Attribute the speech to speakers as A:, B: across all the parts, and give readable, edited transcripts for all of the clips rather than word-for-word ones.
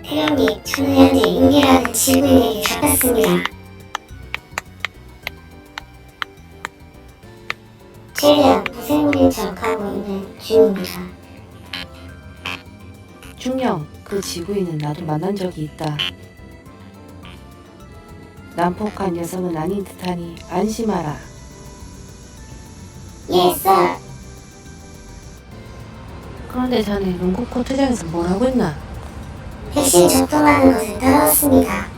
A: 태영이, 저는 현재 윤기라는 지구인에게 잡혔습니다. 최대한 무생물인 척하고 있는 중입니다.
B: 중령, 그 지구인은 나도 만난 적이 있다. 난폭한 녀석은 아닌 듯하니 안심하라.
A: 예, 썰.
B: 그런데 자네 농구 코트장에서 뭘 하고 있나?
A: 백신 접종하는 것을 따라왔습니다.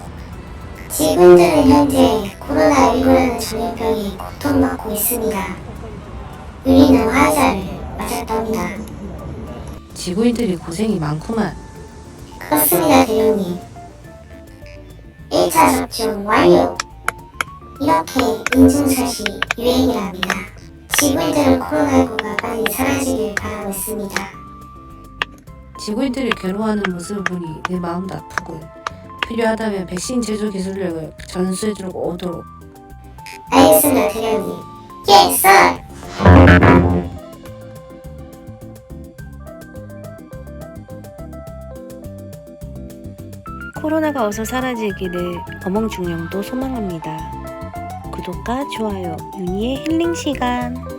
A: 지구인들은 현재 코로나19라는 전염병에 고통받고 있습니다. 우리는 화자를 맞았답니다.
B: 지구인들이 고생이 많구만.
A: 그렇습니다, 대령님. 1차 접종 완료. 이렇게 인증샷이 유행이랍니다. 지구인들은 코로나19가 빨리 사라지길 바라고 있습니다.
B: 지구인들이 괴로워하는 모습을 보니 내 마음도 아프고 필요하다면 백신 제조 기술력을 전수해주고 오도록.
A: 알겠습니다, 대령님. 예, 썰!
C: 코로나가 어서 사라지기를 어멍중령도 소망합니다. 구독과 좋아요, 윤희의 힐링 시간.